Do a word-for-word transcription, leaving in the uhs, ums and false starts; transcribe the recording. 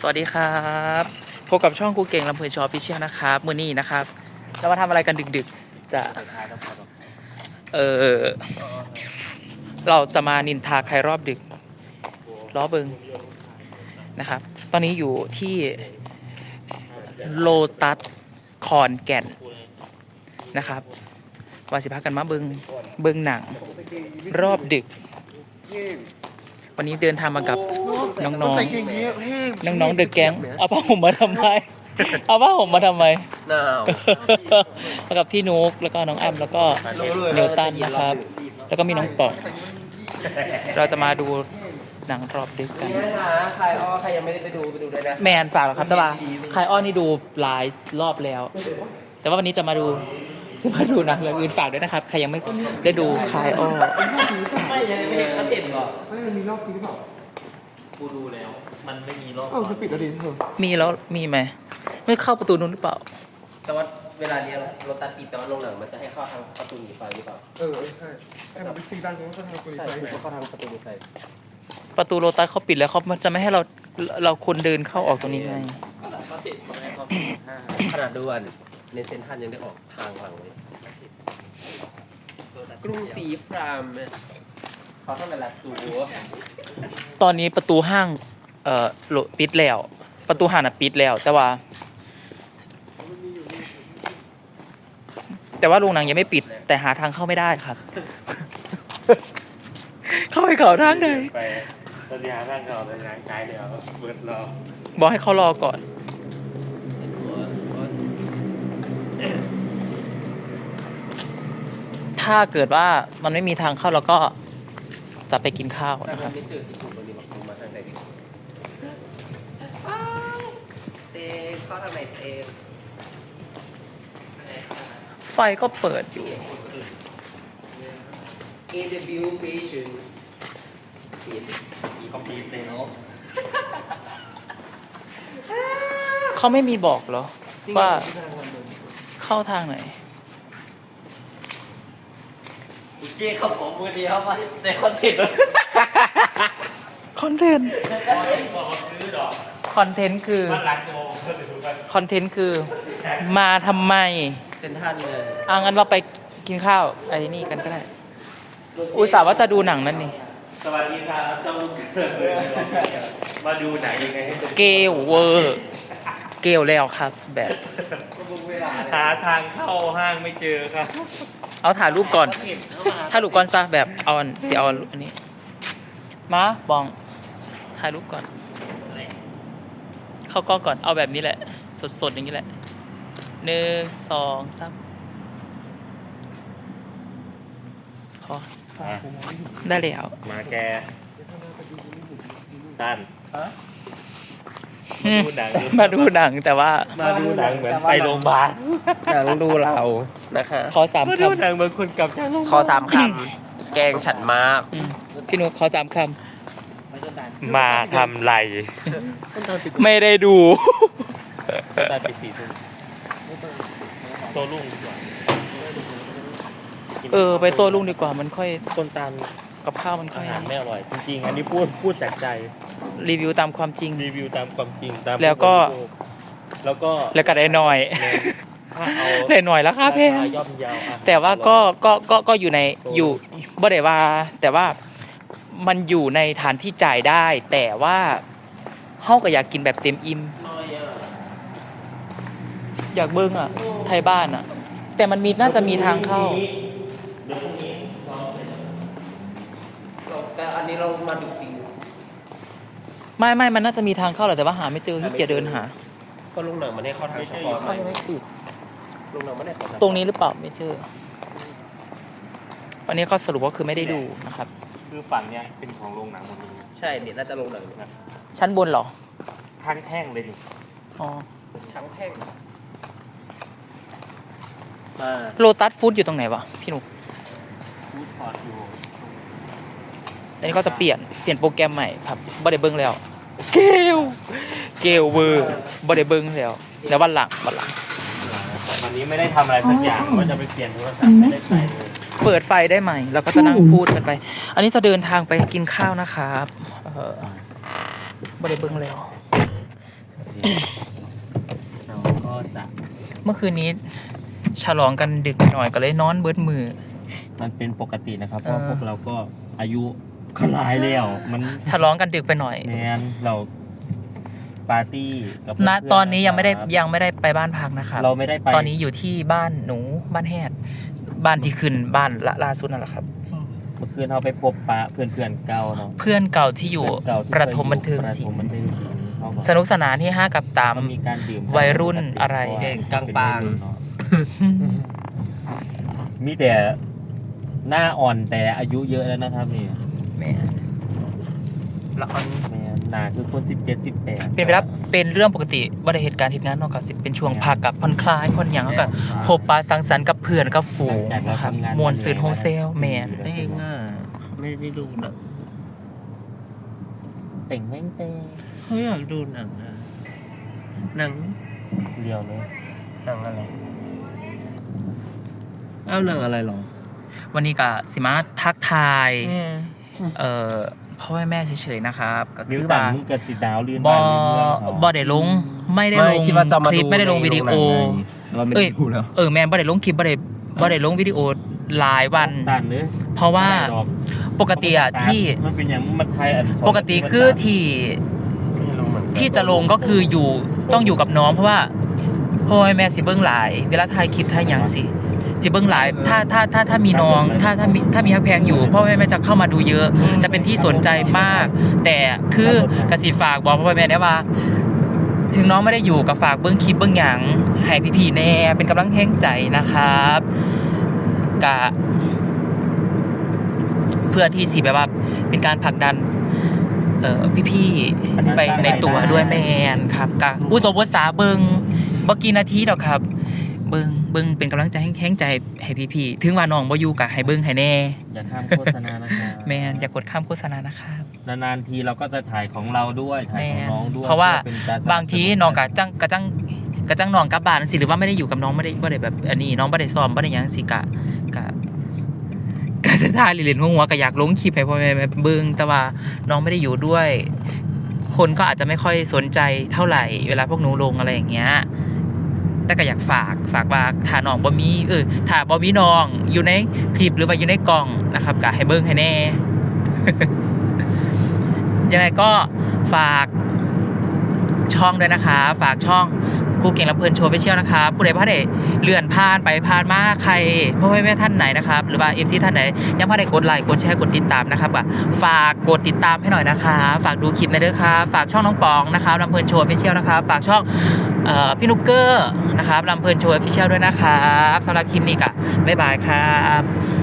สวัสดีครับพบกับช่องกูเก่งลำเพลินชอฟิเชียลนะครับมื้อนี้นะครับเรามาทำอะไรกันดึกๆจะเออเราจะมานินทาใครรอบดึกล้อเบิงนะครับตอนนี้อยู่ที่โลตัสคอนแก่นนะครับวาสิพักกันมาเบิงเบิงหนังรอบดึกวันนี้เดินทางมากับน้องๆ น้องๆเดอะแก๊งเอาผ้าห่มมาทำไมเอาผ้าห่มมาทำไมหนาวมากับพี่นุ๊กแล้วก็น้องอ้ำแล้วก็เนวตันนะครับแล้วก็มีน้องปอดเราจะมาดูหนังรอบดึกกันใครอ้อใครยังไม่ได้ไปดูไปดูด้วยนะแมนฝากหรอครับแต่ว่าใครอ้อนี่ดูหลายรอบแล้วแต่ว่าวันนี้จะมาดูจะมาดูหนังเรื่องอื่นฝากด้วยนะครับใครยังไม่ได้ดูใครอ้อไม่ยังไม่เห็นเขาเห็นหรอไม่มันมีรอบจริงหรือเปล่ากูดูแล้วมันไม่มีรอบเออคือปิดแล้วดิเธอมีแล้วมีไหมไม่เข้าประตูนู้นหรือเปล่าแต่ว่าเวลาเนี้ยรถตัดปิดแต่ว่าโรงหนังมันจะให้เข้าทางประตูหนีไฟหรือเปล่าเออใช่ไอ้มันเป็นซีด้านนี้ก็ทางประตูหนีไฟใช่เข้าทางประตูหนีไฟประตูโลตัสเขาปิดแล้วเขาจะไม่ให้เราเราคนเดินเข้าออกตรงนี้ไงเขาติดเขาให้เขาขนาดด่วนในเซ็นทรัลยังได้ออกทางหลังเลยกรุงศรีพรามเขาต้องเป็นหลักสูตรตอนนี้ประตูห้างเอ่อปิดแล้วประตูห้างน่ะปิดแล้วแต่ว่าแต่ว่าโรงหนังยังไม่ปิดแต่หาทางเข้าไม่ได้ครับ เข้าไปเขาทางไหนไปตอนนี้หาทางเขาเป็นงานไกลเดียวเบิดรอบอกให้เขารอก่อนถ้าเกิดว่ามันไม่มีทางเข้าเราก็จะไปกินข้าวนะครับไม่เจอสิคุณวันนี้มาคุมาทางไหนดิเตะเข้าทางไหนเตะไฟก็เปิดอยู่เอ ดับเบิลยู patient มีคอมพิวเตอร์เนาะเขาไม่มีบอกเหรอว่าเข้าทางไหนโอเคครับผมมือเดียวมาในคอนเทนต์คอนเทนต์คอนเทนต์คือคอนเทนต์คือมาทำไมเซ็นทรัลเลยอ่ะงั้นเราไปกินข้าวไอ้นี่กันก็ได้อุตส่าห์ว่าจะดูหนังนั่นนี่สวัสดีครับต้องมาดูหนังยังไงให้เกลเวอร์เกลแล้วครับแบบหาทางเข้าห้างไม่เจอครับเอาถ่ายรูปก่อนถ่ายรูปก่อนซะแบบเอาเสียเอาอันนี้มาบองถ่ายรูปก่อนเข้ากล้องก่อนเอาแบบนี้แหละสดๆอย่างนี้แหละหนึ่งสองสามพอได้แล้วมาแกตันมาดูหนังแต่ว่ามาดูหนังเหมือนไปโรงพยาบาลหนังดูเรานะคะขอสามคำหนังบางคนกลับจากขอสามคำแกงฉันมากพี่นุ๊กขอสามคำมาทำไรไม่ได้ดูตาปีสี่ทุ่มโตลุ่งเออไปโตลุ่งดีกว่ามันค่อยต้นตาลกับข้าวมันค่อยอาหารไม่อร่อยจริงๆอันนี้พูดพูดจากใจรีวิวตามความจริงรีวิวตามความจริงตามแล้วก็แล้วก็แล้วก็ได้หน่อยได้หน่อยแล้วครับเพ่แต่ว่าก็ก็ก็ก็อยู่ในอยู่บ่ได้ว่าแต่ว่ามันอยู่ในฐานที่จ่ายได้แต่ว่าเฮาก็อยากกินแบบเต็มอิ่มอยากเบิ้งอ่ะไทยบ้านอ่ะแต่มันมีน่าจะมีทางเข้าแต่อันนี้เรามาดูจริงไม่ไม่มันน่าจะมีทางเข้าแหละแต่ว่าหาไม่เจอที่เกียจเดินหาก็ลงหนังมันให้เข้าทางเฉพาะไม่ไม่ปิดลงหนังไม่ได้เข้าตรงนี้หรือเปล่าไม่เจอวันนี้ก็สรุปว่าคือไม่ได้ดูนะครับคือฝั่งเนี้ยเป็นของโรงหนังหมดเลยใช่เนี่ยน่าจะลงหนังชั้นบนเหรอทั้งแท่งเลยดิอ๋อทั้งแท่งโลตัสฟู้ดอยู่ตรงไหนวะพี่หนุฟู้ดคอร์ทอยู่อันนี้ก็จะเปลี่ยนเปลี่ยนโปรแกรมใหม่ครับบ่ได้เบิ้งแล้วเกลเกลเวอร์บ่ได้เบิ้งแล้วแล้ววันหลังวันหลังวันนี้ไม่ได้ทำอะไรสักอย่างก็จะไปเปลี่ยนโทรศัพท์ไม่ได้ไปเลยเปิดไฟได้ไหมเราก็จะนั่งพูดกันไปอันนี้จะเดินทางไปกินข้าวนะครับเออบ่ได้เบิ้งแล้วเราก็จะเมื่อคืนนี้ฉลองกันดึกไปหน่อยก็เลยนอนเบิดมือมันเป็นปกตินะครับเพราะเออพวกเราก็อายุก็หลายแล้วมันฉลองกันดึกไปหน่อยแมนเราปาร์ตี้กับณเพื่ๆตอนนี้ยังไม่ได้ะครับยังไม่ได้ไปบ้านพักนะครับเราไม่ได้ไปตอนนี้อยู่ที่บ้านหนูบ้านแฮดบ้านที่ขึ้นบ้านละล่าสุดนั่นแหละครับเมื่อคืนเราไปพบปะเพื่อนเพื่อนๆเก่าเนาะเพื่อนเก่าที่อยู่เก่าที่ประถมบันเทิงประศิถลมบันป์เทิงศิลป์เขาก็สนุกสนานที่ห้ากับตามก็มีการดื่มวัยรุ่นอะไรเจ๊งกลางปางมีแต่หน้าอ่อนแต่อายุเยอะแล้วนะครับนี่แม่ละครแม่หนาคือคนสิบเจ็ดสิบแปดเป็นไปแล้วเป็นเรื่องปกติว่าได้เหตุการณ์เหตุงานเนอกจากสิเป็นช่วงพักกับผ่อนคลายผ่อนหยังแล้วก็พบปะสังสรรค์กับเพื่อนกับฝูงนะครับมวนซืนโฮเซลแมนได้ง่าไม่ได้ดูหนังเต่งแม่งเต่งเขาอยากดูหนังอะหนังเรียวเลยหนังอะไรอ้าวหนังอะไรหรอวันนี้ก็สิมาทักทายเอ่อพ่อแม่เฉยๆนะครับก็นิ้วคือตัว่านมึงกับสีดาวลื่นบอบ้านลื่นเมืองเขาบอได้ลงไม่ได้ลงไม่คิดว่าจะมาคลิปดูไม่ได้ลงในวิดีโอโรงหนังไงเราไม่เอ้ยได้ดูแล้วเออแมนบ่ได้ลงคลิปบ่ได้บ่ได้ลงวิดีโอหลายวันตันเลยเพราะว่าดอกปกติอะที่มันเป็นอย่างมันไทยอันปกติคือที่ไม่รู้เหมือนกันที่จะลงก็คืออยู่ต้องอยู่กับน้องเพราะว่าพ่อแม่สิเบิ้งหลาย เวลาถ่ายคลิปถ่ายหยังสิสิเบิ้งหลายถ้าถ้าถ้าถ้ามีน้องถ้าถ้ามีถ้ามีฮักแพงอยู่พ่อแม่แม่จะเข้ามาดูเยอะ จะเป็นที่สนใจมาก แต่คือกสิฝากบอกพ่อแม่ได้ว่า ถึงน้องไม่ได้อยู่กับฝากเบิ้งคลิปเบิ้งหยังให้พี่ๆแน่เป็นกำลังแห้งใจนะครับกะเพื่อที่สิแบบว่าเป็นการผลักดัน เอ่อพี่ๆไปในตัวด้วยแมนครับกะอุโสบสาเบิงบ่กี่นาทีดอกครับ เบิงเบิงเป็นกำลังใจแห้งใจให้พี่ๆถึงว่าน้องบ่อยู่กะให้เบิงให้แน่อย่าข้ามโฆษณานะครับแมนอย่ากดข้ามโฆษณานะครับนานๆทีเราก็จะถ่ายของเราด้วยถ่ายแมของนน้องด้วยเพราะว่าป็นกรบางทีน้องกะจังกะจังกะจังน้องกลับบ้านสิหรือว่าไม่ได้อยู่กับน้องไม่ได้บ่ได้แบบอันนี้น้องบ่ได้ซ้อมบ่ได้หยังสิกะกะกะจะถ่ายเล่นๆหัวๆก็อยากลงคลิปให้พ่อแม่เบิ่งแต่ว่าน้องไม่ได้อยู่ด้วย คนก็อาจจะไม่ค่อยสนใจเท่าไหร่ เวลาพวกหนูลงอะไรอย่างเงี้ย แต่ก็อยากฝากฝากว่าถ้าน้องบ่มีเออถ้าบ่มีน้องอยู่ในคลิปหรือว่าอยู่ในกล่องนะครับก็ให้เบิ่งให้แน่ ยังไงก็ฝากช่องด้วยนะคะ ฝากช่องครูเก่งลำเพลินโชว์ไปเชียลนะคะผู้ใดพลาดได้เลื่อนผ่านไปผ่านมาใครพ่อแม่ท่านไหนนะครับหรือว่าเอฟซีท่านไหนยังพลาดได้กดไลค์กดแชร์กดติดตามนะครับก็ฝากกดติดตามให้หน่อยนะคะ ฝากดูคลิปในเด้อครับฝากช่องน้องปองนะครับลำเพลินโชว์ไปเชียลนะครับฝากช่องเอ่อพี่นุกเกอร์นะครับลำเพลินโชว์ออฟฟิเชียลด้วยนะครับสำหรับคลิปนี้ก็บ๊ายบายครับ